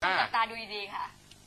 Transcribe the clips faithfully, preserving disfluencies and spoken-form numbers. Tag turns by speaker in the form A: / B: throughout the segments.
A: จับตาดูดีๆค่ะ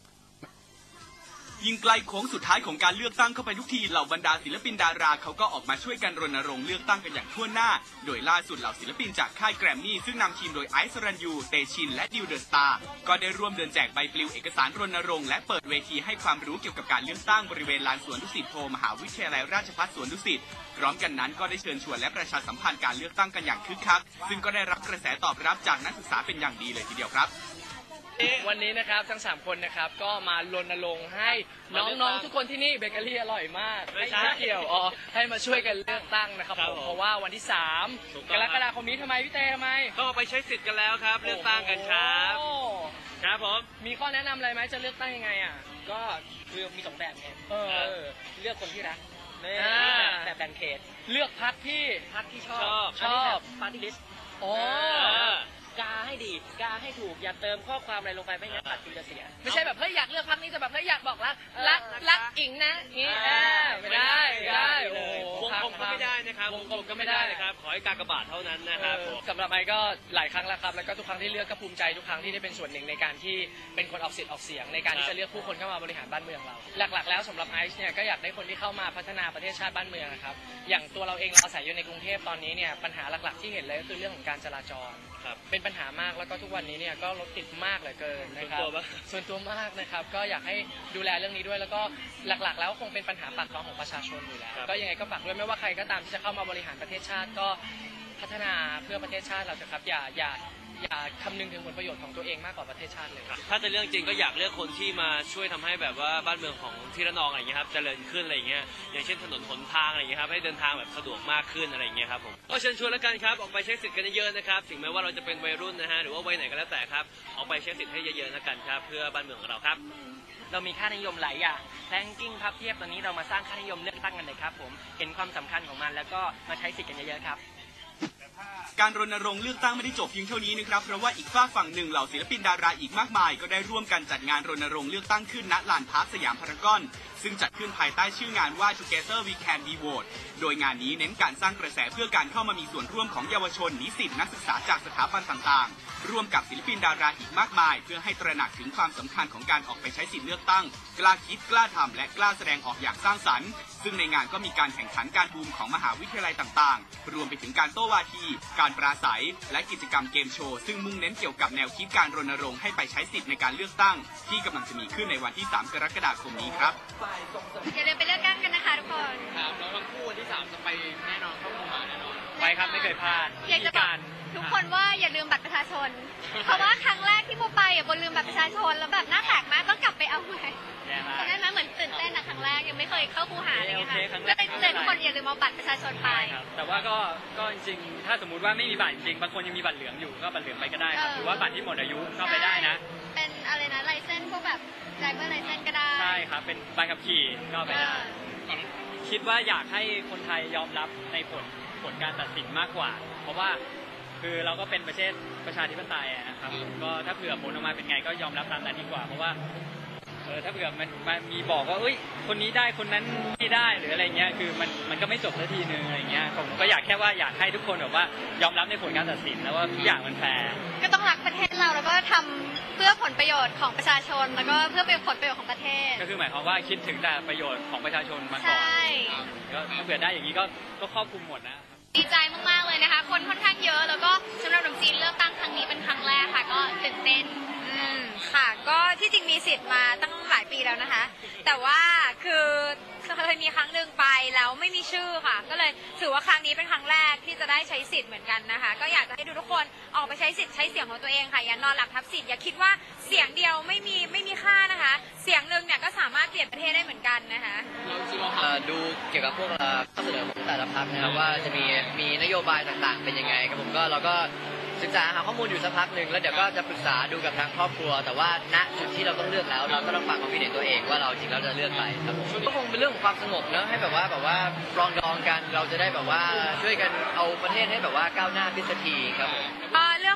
B: ยิ่งใกล้โค้งสุดท้ายของการเลือกตั้งเข้าไปทุกทีเหล่าบรรดาศิลปินดาราเขาก็ออกมาช่วยกันรณรงค์เลือกตั้งกันอย่างทั่วหน้าโดยล่าสุดเหล่าศิลปินจากค่ายแกรมมี่ซึ่งนำทีมโดยไอซ์สรัญยูเตชินและดิวเดอะสตาร์ก็ได้ร่วมเดินแจกใบปลิวเอกสารรณรงค์และเปิดเวทีให้ความรู้เกี่ยวกับการเลือกตั้งบริเวณลานสวนดุสิตโพมหาวิทยาลัยราชภัฏสวนดุสิตพร้อมกันนั้นก็ได้เชิญชวนและประชาสัมพันธ์การเลือกตั้งกันอย่างคึกคักซึ่งก็ได้รับกระแสตอบรับจากนักศึกษาเป็นอย่างดีเลยทีเดียวครับ
C: วันนี้นะครับทั้งสามคนนะครับก็มารณรงค์ให้น้องๆทุกคนที่นี่เบเกอรี่อร่อยมากไม่ใช่เกี่ยวอ๋อให้มาช่วยกันเลือกตั้งนะครับผมเพราะว่าวันที่สามกรกฎาคมนี้ทำไมพี่เต้ทำไม
D: ก็ไปใช้สิทธิ์กันแล้วครับเลือกตั้งกันครับครับผม
C: มีข้อแนะนำอะไรไหมจะเลือกตั้งยังไงอ่ะ
E: ก็คือมีสองแบบไงเลือกคนที่รักแบบแบ่งเขต
C: เลือกพรรคที่
E: พรรคที่ชอบ
C: ชอบ
E: ปาร์ตี้ลิสต์
C: โอ้
E: กาให้ดีกาให้ถูกอย่าเติมข้อความอะไรลงไปไม่งั้นตัดสินจะเสีย
C: ไม่ใช่แบบเฮ้ยอยากเลือกพรรคนี้แต่แบบเฮ้ยอยากบอกรักรักรักอิงนะนี่ไม่ได้ไม่ได้โอ้
D: วงกลมก็ไม่ได้นะครับวงกลมก็ไม่ได้นะครับขอให้กากบาทเท่านั้นนะครับ
C: สำหรับไอ้ก็หลายครั้งแล้วครับแล้วก็ทุกครั้งที่เลือกก็ภูมิใจทุกครั้งที่ได้เป็นส่วนหนึ่งในการที่เป็นคนออกสิทธิ์ออกเสียงในการที่จะเลือกผู้คนเข้ามาบริหารบ้านเมืองเราหลักๆแล้วสำหรับไอซ์เนี่ยก็อยากได้คนที่เข้ามาพัฒนาประเทศชาติบ้านเมืองนะครับอย่างตัวเราเองเราอาศัยอยู่ในกรุงเทพตอนนี้เนี่ยปัญหาหลักๆที่เห็นเลยก็คือเรื่องของการจราจรเป็นปัญหามากแล้วก็ทุกวันนี้เนี่ยก็รถติดมากเหลือเกินนะครับส่วนตัวมากนะครับก็อยากให้ดูแลเรื่องนี้ด้วยแล้วก็หลักๆแล้วคงเป็นปัญหาปากท้องของประชาชนอยู่แล้วก็ยังไงก็ฝากด้วยไม่ว่าใครก็ตามที่จะเข้ามาบริหารประเทศชาติก็พัฒนาเพื่อประเทศชาติเราจะครับอย่าอย่าอย่าคำนึงถึงผลประโยชน์ของตัวเองมากกว่าประเทศชาติเลย
D: ถ้าจะเรื่องจริงก็อยากเลือกคนที่มาช่วยทำให้แบบว่าบ้านเมืองของที่ระนองอะไรอย่างเงี้ยครับเจริญขึ้นอะไรอย่างเงี้ยอย่างเช่นถนนหนทางอะไรอย่างเงี้ยครับให้เดินทางแบบสะดวกมากขึ้นอะไรอย่างเงี้ยครับผมก็เชิญชวนแล้วกันครับออกไปใช้สิทธิ์กันเยอะๆนะครับถึงแม้ว่าเราจะเป็นวัยรุ่นนะฮะหรือว่าวัยไหนก็แล้วแต่ครับออกไปใช้สิทธิ์ให้เยอะๆแล้วกันครับเพื่อบ้านเมืองของเราครับ
E: เรามีค่านิยมหลายอย่างแรงกิ้งพับเทียบตอนนี้เรามาสร้างค่านิยมเลือกตั้งกันเลยครับผมเห็นความสำคัญของมันแล้วก็มาใช้สิทธิ์กันเยอะๆครับ
B: การรณรงค์เลือกตั้งไม่ได้จบเพียงเท่านี้นะครับเพราะว่าอีกฝากฝั่งหนึ่งเหล่าศิลปินดาราอีกมากมายก็ได้ร่วมกันจัดงานรณรงค์เลือกตั้งขึ้นณลานพาร์คสยามพารากอนซึ่งจัดขึ้นภายใต้ชื่องานว่า Together We Can We Vote โดยงานนี้เน้นการสร้างกระแสเพื่อการเข้ามามีส่วนร่วมของเยาวชนนิสิตนักศึกษาจากสถาบันต่างๆร่วมกับศิลปินดาราอีกมากมายเพื่อให้ตระหนักถึงความสำคัญของการออกไปใช้สิทธิเลือกตั้งกล้าคิดกล้าทำและกล้าแสดงออกอย่างสร้างสรรค์ซึ่งในงานก็มีการแข่งขันการบูมของมหาวิทยาลัยต่างๆรวมไปถึงการโต้วาทีการปราศัยและกิจกรรมเกมโชว์ซึ่งมุ่งเน้นเกี่ยวกับแนวคิดการรณรงค์ให้ไปใช้สิทธิ์ในการเลือกตั้งที่กำลังจะมีขึ้นในวันที่สามกรกฎาคมนี้ครับ
A: อย่าลืมไปเลือกตั้งกันนะคะทุกคน
C: ครับแล้วทั้งคู่วันที่สามจะไปแน่นอนเข้าคูหาแน่นอนไปครับไม่เคยพลาด
A: อยากจะบอกทุกคนว่าอย่าลืมบัตรประชาชนเพราะว่าครั้งแรกที่โมไปอ่ะโมลืมบัตรประชาชนแล้วแบบหน้าแตกมากต้องกลับไปเอาใหม่ตอนนั้นนะเหมือนตื่นเต้นนะครั้งแรกยังไม่เคยเข้าคูหาเลยค่ะก็เลยเตือนทุกคนอย่าลืมเอาบัตรประชาชนไป
C: แต่ว่าก็ก็จริงๆถ้าสมมติว่าไม่มีบัตรจริงบางคนยังมีบัตรเหลืองอยู่ก็บัตรเหลืองไปก็ได้ครับหรือว่าบัตรที่หมดอายุก็ไปได้นะ
A: เป็นอะไรนะไลเซนส์พวกแบบไดรเวอร์ไลเซนส์ก็ได้
C: ใช่ครับเป็นใบขับขี่ก็ไปได้คิดว่าอยากให้คนไทยยอมรับในผลผลการตัดสินมากกว่าเพราะว่าคือเราก็เป็นประเทศประชาธิปไตยนะครับก็ถ้าเผื่อผลออกมาเป็นไงก็ยอมรับตามนั้นดีกว่าเพราะว่าเออถ้าเผื่อมันมันมีบอกว่าเอ้ยคนนี้ได้คนนั้นไม่ได้หรืออะไรเงี้ยคือมันมันก็ไม่จบสักทีนึงอะไรเงี้ยผมก็อยากแค่ว่าอยากให้ทุกคนแบบว่ายอมรับในผลการตัดสินแล้วว่าทุกอย่างมันแฟร์
A: ก็ต้องรักประเทศเราแล้วก็ทำเพื่อผลประโยชน์ของประชาชนแล้วก็เพื่อเป็นผลประโยชน์ของประเทศ
C: ก็คือหมายความว่าคิดถึงแต่ประโยชน์ของประชาชนมาก่อนก็ถ้าเผื่อได้อย่างนี้ก็ก็ครอบคลุมหมดนะ
A: ดีใจมากๆเลยนะคะคนค่อนข้างเยอะแล้วก็สำหรับหนุ่มจีนเลือกตั้งครั้งนี้เป็นครั้งแรกค่ะก็ตื่นเต้น
F: อืมค่ะก็ที่จริงมีสิทธิ์มาตั้งหลายปีแล้วนะคะแต่ว่าคือเคยมีครั้งหนึ่งไปแล้วไม่มีชื่อค่ะก็เลยถือว่าครั้งนี้เป็นครั้งแรกที่จะได้ใช้สิทธิ์เหมือนกันนะคะก็อยากจะให้ทุกคนออกไปใช้สิทธิ์ใช้เสียงของตัวเองค่ะอย่านอนหลับทับสิทธิ์อย่าคิดว่าเสียงเดียวไม่มีไม่มีค่านะคะเสียงหนึ่งเนี่ยก็สามารถเปลี่ยนประเทศได้เหมือนกันนะคะ
E: ดูเกี่ยวกับพวกข้อเสนอของแต่ละพรรคนะครับว่าจะมีมีนโยบายต่างๆเป็นยังไงครับผมก็เราก็ศึกษาหาข้อมูลอยู่สักพักหนึ่งแล้วเดี๋ยวก็จะปรึกษาดูกับทางครอบครัวแต่ว่าณจุดที่เราต้องเลือกแล้วเราก็ต้องฟังความคิดเห็นตัวเองว่าเราจริงแล้วจะเลือกใครครับผมก็คงเป็นเรื่องของความสงบเนอะให้แบบว่าแบบว่าปรองดองกันเราจะได้แบบว่าช่วยกันเอาประเทศให้แบบว่าก้าวหน้าขึ้นสักทีครับผม
F: เลือก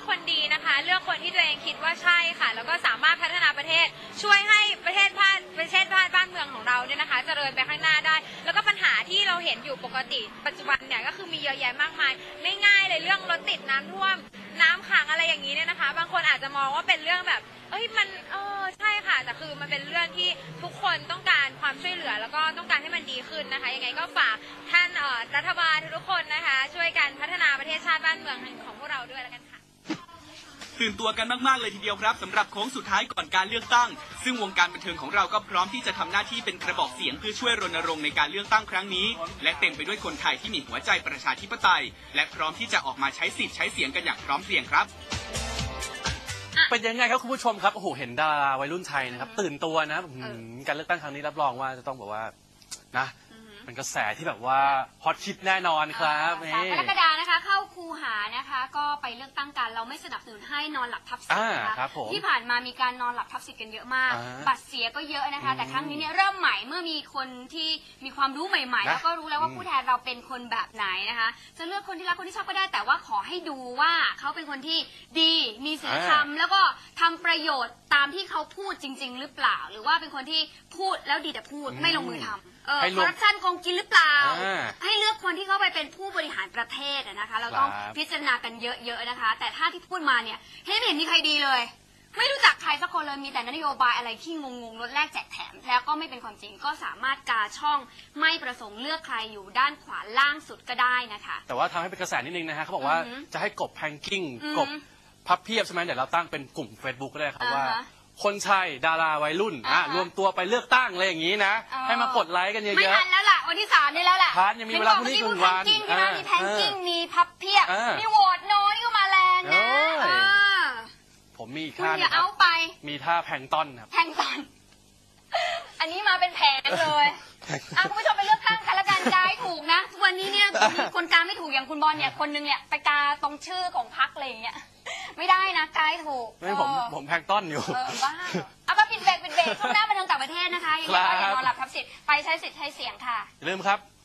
F: คนดีนะคะ เลือกคนที่ตัวเองคิดว่าใช่ค่ะ แล้วก็สามารถพัฒนาประเทศ ช่วยให้ประเทศชาติประเทศชาติบ้านเมืองของเราเนี่ยนะคะเจริญไปข้างหน้าได้ แล้วก็ปัญหาที่เราเห็นอยู่ปกติปัจจุบันเนี่ยก็คือมีเยอะแยะมากมายไม่ง่ายเลยเรื่องรถติดน้ำท่วมน้ำขังอะไรอย่างนี้เนี่ยนะคะ บางคนอาจจะมองว่าเป็นเรื่องแบบเอ้ยมันเออใช่ค่ะแต่คือมันเป็นเรื่องที่ทุกคนต้องการความช่วยเหลือแล้วก็ต้องการให้มันดีขึ้นนะคะยังไงก็ฝากท่านเอ่อรัฐบาลทุกคนนะคะช่วยกันพัฒนาประเทศชาติบ้านเมืองของพวกเราด้วยแล้วกันค่ะ
B: ตื่นตัวกันมากๆเลยทีเดียวครับสำหรับโค้งสุดท้ายก่อนการเลือกตั้งซึ่งวงการบันเทิงของเราก็พร้อมที่จะทำหน้าที่เป็นกระบอกเสียงเพื่อช่วยรณรงค์ในการเลือกตั้งครั้งนี้และเต็มไปด้วยคนไทยที่มีหัวใจประชาธิปไตยและพร้อมที่จะออกมาใช้สิทธิ์ใช้เสียงกันอย่างพร้อมเพรียงครับ
G: เป็นยังไงครับคุณผู้ชมครับโอ้โหเห็นดาราวัยรุ่นไทยนะครับตื่นตัวนะการเลือกตั้งครั้งนี้รับรองว่าจะต้องบอกว่านะเป็นกระแสที่แบบว่าฮอตฮิตแน่นอนครับ
A: สามกรกฎานะคะเข้าคูหานะคะก็ไปเลือกตั้งกันเราไม่สนับสนุนให้นอนหลับทับสิทธิ์นะคะที่ผ่านมามีการนอนหลับทับสิทธิ์กันเยอะมากบัตรเสียก็เยอะนะคะแต่ครั้งนี้เนี่ยเริ่มใหม่เมื่อมีคนที่มีความรู้ใหม่ๆแล้วก็รู้แล้วว่าผู้แทนเราเป็นคนแบบไหนนะคะจะเลือกคนที่รักคนที่ชอบก็ได้แต่ว่าขอให้ดูว่าเขาเป็นคนที่ดีมีศีลธรรมแล้วก็ทำประโยชน์ตามที่เขาพูดจริงๆหรือเปล่าหรือว่าเป็นคนที่พูดแล้วดีแต่พูดไม่ลงมือทำเออคอร์รัปชันโกงกินหรือเปล่าให้เลือกคนที่เข้าไปเป็นผู้บริหารประเทศนะคะเราต้องพิจารณากันเยอะๆนะคะแต่ถ้าที่พูดมาเนี่ยให้ไม่เห็นมีใครดีเลยไม่รู้จักใครสักคนเลยมีแต่นโยบายอะไรที่งงๆลดแลกแจกแถมแล้วก็ไม่เป็นความจริงก็สามารถกาช่องไม่ประสงค์เลือกใครอยู่ด้านขวาล่างสุดก็ได้นะคะ
G: แต่ว่าทำให้เป็นกระแสนิดนึงนะฮะเขาบอกว่าจะให้กบแพงกิ้งกบพับเพียบใช่ไหมเดี๋ยวเราตั้งเป็นกลุ่ม Facebook ก็ได้ครับว่าคนไทยดาราวัยรุ่นอ่ะรวมตัวไปเลือกตั้งอะไรอย่างนี้นะให้มากดไลค์กันเยอะๆ
A: ไม่ทันแล้วล่ะวันที่สามนี่แล้วแหละ
G: ทันยังมีเวลาพรุ่งนี้หนึ่งวัน
A: มีแพงกิ้งมีพับเพียบมีโหวตโนนี่ก็มาแรงนะ
G: ผมมีท่า
A: อย่าเอาไป
G: มีท่าแพงต้นครับ
A: แพงต้นอันนี้มาเป็นแผงเลยอ่ะคุณผู้ชมไปเลือกตั้งกันละกันกายถูกนะทุกวันนี้เนี่ยมีคนกาไม่ถูกอย่างคุณบอลเนี่ยคนนึงเนี่ยไปกาตรงชื่อของพรรคอะไรอย่างเงี้ยไม่ได้นะกายถูก
G: ไม่ผมผมแพงต้นอยู่
A: เออบ้าเอาไปปิดเบรกปิดเบรกช่วงหน้ามาทางต่างประเทศนะคะยังไงก็อย่านอนหลับทับสิทธิ์ไปใช้สิทธิ์ใช้เสียงค่ะ
G: ลืมครับ